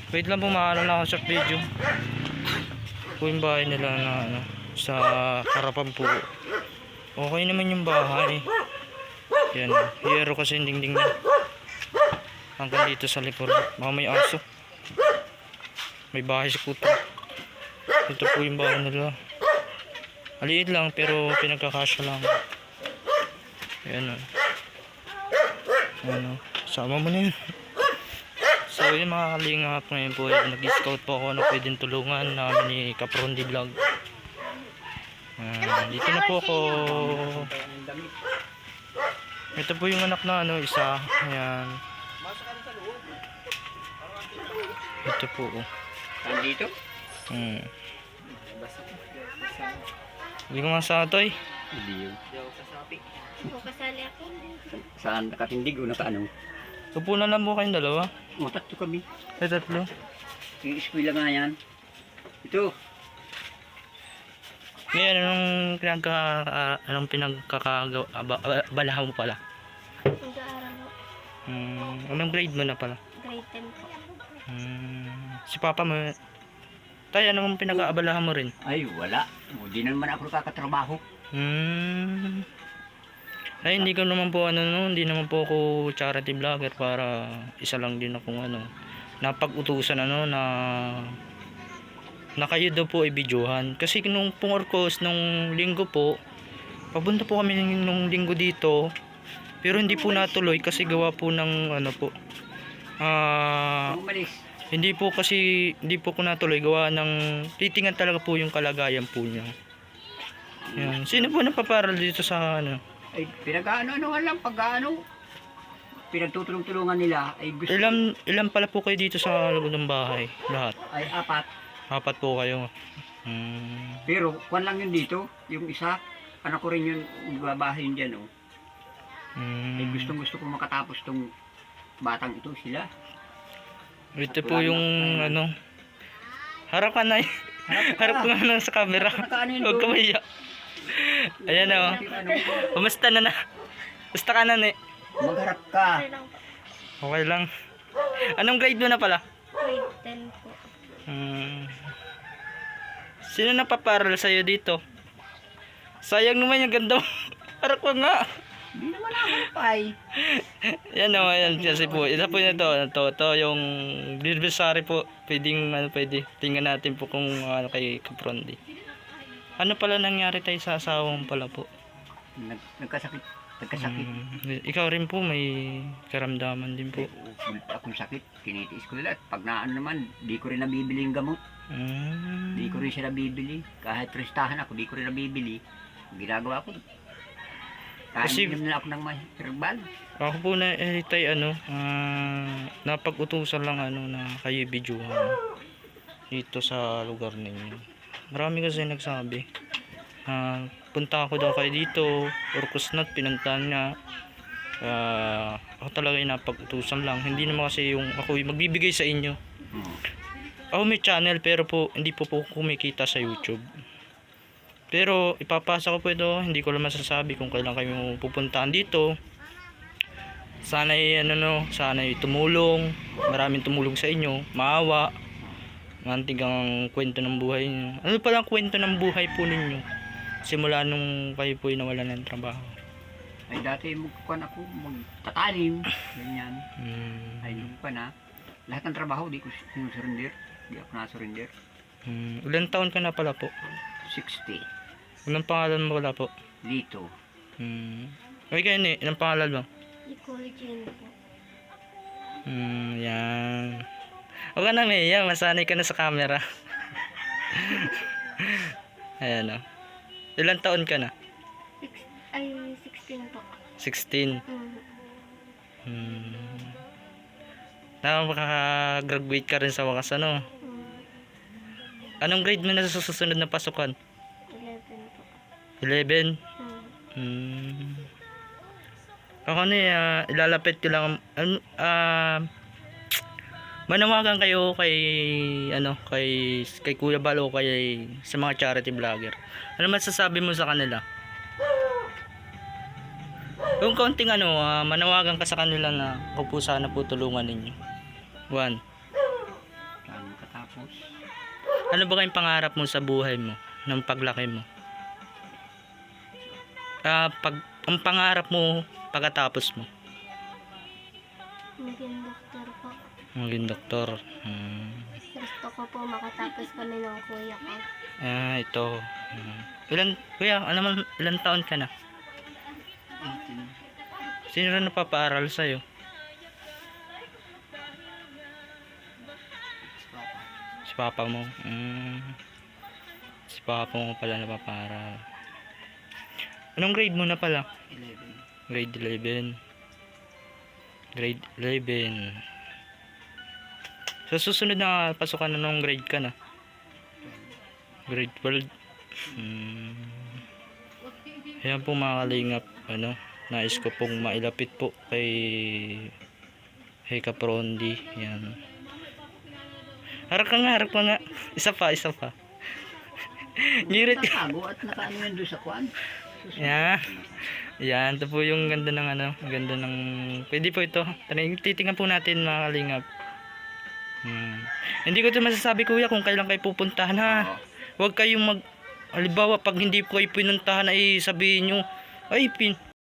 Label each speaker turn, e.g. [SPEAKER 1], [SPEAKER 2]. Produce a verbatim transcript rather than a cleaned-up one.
[SPEAKER 1] Wait lang po, maano na ako sa video. Po yung bahay nila na ano, sa harapan po. Okay naman yung bahay. Yan, hiyero kasi yung dingding niya. Hanggang dito sa likod. Baka may aso. May bahay si kuto. Ito po yung bahay nila. Maliit lang pero pinagkakasya lang. Ayan o. Ano, sama mo na yun. So yun mga kalingap, ngayon po eh, nag-scout po ako na pwedeng tulungan namin ni Kaprondi Vlog. Uh, dito na po ako. Ito po yung anak na ano, isa. Ayan. Ito po.
[SPEAKER 2] Nandito?
[SPEAKER 1] Hmm. Hindi ko masatoy.
[SPEAKER 2] Hindi yun. Sasapi.
[SPEAKER 3] O, kasali ako.
[SPEAKER 2] Saan nakatindig o nakaano?
[SPEAKER 1] Upo na lang po kayong dalawa.
[SPEAKER 2] O, tatlo kami.
[SPEAKER 1] Ay, tatlo.
[SPEAKER 2] Yung eskwela nga yan. Ito.
[SPEAKER 1] Ngayon, anong pinagka, uh, anong pinagkakabalahan mo pala?
[SPEAKER 3] Nag-aaral ko.
[SPEAKER 1] Hmm, anong grade mo na pala?
[SPEAKER 3] Grade ten po.
[SPEAKER 1] Hmm, si papa mo, tayo, anong pinag-aabalahan mo rin?
[SPEAKER 2] Ay, wala. O, di naman ako kakatrabaho.
[SPEAKER 1] Hmm. Ay, hindi ko naman po ano no, hindi naman po ako charity vlogger para isa lang din akong ano, napag-utusan ano na na kayo daw po ay videohan. Kasi nung pungorkos nung linggo po, papunta po kami nung linggo dito. Pero hindi po natuloy kasi gawa po ng ano po. Ah,
[SPEAKER 2] Umalis.
[SPEAKER 1] hindi po kasi hindi po ko natuloy gawa ng titingan talaga po yung kalagayan po niya. Yan. Sino po napaparal dito sa ano?
[SPEAKER 2] Ay, pinag-ano-ano lang pag-ano. Pinagtutulong-tulungan nila. Ay, gusto.
[SPEAKER 1] Ilan ilan pala po kayo dito sa loob ng bahay? Lahat.
[SPEAKER 2] Ay, apat.
[SPEAKER 1] Apat po kayo. Hmm.
[SPEAKER 2] Pero, kwan lang yun dito. Yung isa, anak ko rin yun, babahin dyan, oh.
[SPEAKER 1] Hmm.
[SPEAKER 2] Ay, gustong gusto kong makatapos tong batang ito, sila.
[SPEAKER 1] Ito po yung ano. Harap ka na. Harap ka na sa camera.
[SPEAKER 2] Nakaano yun
[SPEAKER 1] Huwag ka
[SPEAKER 2] doon?
[SPEAKER 1] maiyak. Ayan o.
[SPEAKER 2] Ano,
[SPEAKER 1] Kumusta na na? Kumusta ka na ni?
[SPEAKER 2] magharap ka.
[SPEAKER 3] Okay lang po.
[SPEAKER 1] Okay lang. Anong grade mo na pala?
[SPEAKER 3] Grade ten po.
[SPEAKER 1] Hmm. Sino napaparal sa'yo dito? Sayang naman yung ganda mo. Harap ka nga.
[SPEAKER 2] Hindi naman ako pay.
[SPEAKER 1] Yan o, yan kasi po. Isa po na to, to, to yung anniversary po. Pwedeng, ano, pwede. Tingnan natin po kung ano kay Kaprondi. Ano pala nangyari tayo sa asawa mo pala po?
[SPEAKER 2] Nag, nagkasakit. Nagkasakit.
[SPEAKER 1] Hmm, ikaw rin po, may karamdaman din po.
[SPEAKER 2] Ulit akong sakit. Kinitiis ko nila. Pag naano naman, di ko rin nabibili yung gamot.
[SPEAKER 1] Hmm.
[SPEAKER 2] Di ko rin siya nabibili. Kahit prestahan ako, di ko rin nabibili. Ang ginagawa ko. Kahit
[SPEAKER 1] Kasi-
[SPEAKER 2] inom nila ako ng may herbal.
[SPEAKER 1] Ako po na eh, tayo ano, ah, napag-utusan lang ano na kayo videohan dito sa lugar ninyo. Marami kasi nagsabi. Ah, punta ako daw kayo dito, Orcosnot, pinuntahan niya. Ah, ako talaga yung napag-utusan lang. Hindi naman kasi yung ako yung magbibigay sa inyo.
[SPEAKER 2] Hmm.
[SPEAKER 1] Ako may channel pero po hindi po po kumikita sa YouTube. Pero ipapasa ko po ito, hindi ko lang masasabi kung kailan kayo pupuntahan dito. Sana ay ano no, sana ay tumulong, maraming tumulong sa inyo, maawa. Mantig ang kwento ng buhay niyo. Ano pala ang kwento ng buhay po ninyo? Simula nung kayo po ay nawalan ng trabaho.
[SPEAKER 2] Ay dati magkukuhan ako, magtatanim. Ganyan.
[SPEAKER 1] Hmm.
[SPEAKER 2] Ay nung pa na. Lahat ng trabaho, di ko sinusurrender. Di ako nasurrender.
[SPEAKER 1] Hmm. Ilan taon ka na pala po?
[SPEAKER 2] sixty.
[SPEAKER 1] Anong pangalan mo pala po?
[SPEAKER 2] Dito.
[SPEAKER 1] Hmm. Okay kayo ni, anong pangalan mo?
[SPEAKER 3] Ecology po.
[SPEAKER 1] Hmm, yan. Huwag ka na may yan, masanay ka na sa camera. Ayan o. Ilan taon ka na?
[SPEAKER 3] Six, ay, sixteen po.
[SPEAKER 1] sixteen.
[SPEAKER 3] Mm.
[SPEAKER 1] Hmm. Nakaka-graduate ka rin sa wakas ano?
[SPEAKER 3] Mm.
[SPEAKER 1] Anong grade mo na sa susunod na pasukan?
[SPEAKER 3] eleven po.
[SPEAKER 1] eleven?
[SPEAKER 3] Mm.
[SPEAKER 1] Hmm. Ako na uh, ilalapit ko lang um, uh, manawagan kayo kay ano kay kay Kuya Balo kay sa mga charity vlogger. Ano masasabi mo sa kanila? Yung kaunting ano, uh, manawagan ka sa kanila na ako po sana po tulungan ninyo. One.
[SPEAKER 2] Tapos,
[SPEAKER 1] Ano ba kayong pangarap mo sa buhay mo? Ng paglaki mo? Ah, pag, ang pangarap mo pagkatapos mo?
[SPEAKER 3] Maging doktor po.
[SPEAKER 1] Maging doktor. Hmm.
[SPEAKER 3] Gusto ko po makatapos kami ng kuya ko.
[SPEAKER 1] Ah, ito. Hmm. Ilan, kuya, ano man, ilan taon ka na?
[SPEAKER 2] eighteen.
[SPEAKER 1] Sino na napapaaral sa'yo?
[SPEAKER 2] Papa.
[SPEAKER 1] Si papa mo. Hmm. Si papa mo pala napapaaral. Anong grade mo na pala?
[SPEAKER 2] eleven.
[SPEAKER 1] Grade eleven. Grade eleven. Sa susunod na pasukan na nung grade ka na? Grade twelve. Hmm. Ayan po mga kalingap. Ano, nais ko pong mailapit po kay kay Kaprondi. Yan. Harap ka nga, harap ka nga. Isa pa, isa pa. Ngirit ka.
[SPEAKER 2] Tatago at nakaano yun doon sa kwan.
[SPEAKER 1] Yeah. Yan, ito po yung ganda ng ano, ganda ng, pwede po ito. Tara- Titingnan po natin mga kalingap. Hmm. Hindi ko ito masasabi kuya kung kailan kayo pupuntahan ha.
[SPEAKER 2] Oo.
[SPEAKER 1] Huwag kayong mag, halimbawa pag hindi ko kayo pinuntahan ay sabihin nyo, ay pin,